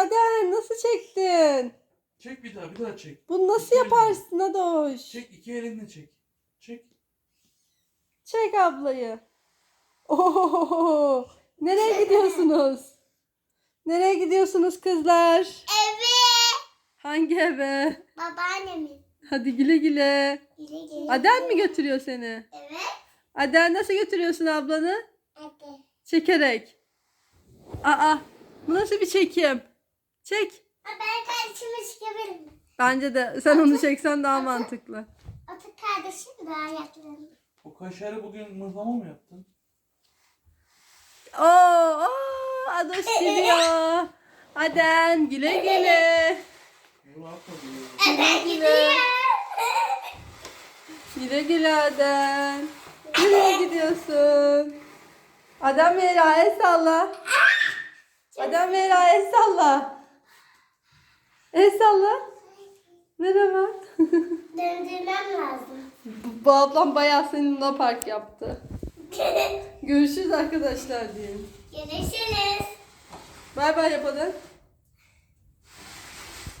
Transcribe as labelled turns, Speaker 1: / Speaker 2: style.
Speaker 1: Aden, nasıl çektin?
Speaker 2: Çek bir daha çek.
Speaker 1: Bunu nasıl
Speaker 2: İki
Speaker 1: yaparsın Adoş?
Speaker 2: Çek, iki elinle çek. Çek.
Speaker 1: Çek ablayı. Oho, nereye gidiyorsunuz? Nereye gidiyorsunuz kızlar?
Speaker 3: Eve.
Speaker 1: Hangi eve?
Speaker 3: Babaannemin.
Speaker 1: Hadi güle güle.
Speaker 3: Güle güle.
Speaker 1: Aden mi götürüyor seni?
Speaker 3: Evet.
Speaker 1: Aden, nasıl götürüyorsun ablanı?
Speaker 3: Hadi.
Speaker 1: Çekerek. Aa, bu nasıl bir çekim? Çek.
Speaker 3: Ben kardeşimi çıkabilirim.
Speaker 1: Bence de sen onu çeksen daha mantıklı.
Speaker 3: Atık kardeşim daha yakın.
Speaker 2: O kaşarı bugün mıhlama mı yaptın?
Speaker 1: Oo, Adoş gidiyor. Aden, güle güle.
Speaker 2: Bunu atma diyor.
Speaker 3: Evet
Speaker 1: güle.
Speaker 3: gidiyor.
Speaker 1: Güle güle Aden. Nereye gidiyorsun? Aden Meyra, el salla. Aden Meyra, el salla. El salla. Merhaba.
Speaker 3: Döndürmem lazım.
Speaker 1: Bu ablam bayağı seninle park yaptı. Görüşürüz arkadaşlar diyeyim.
Speaker 3: Görüşürüz.
Speaker 1: Bay bay yapalım.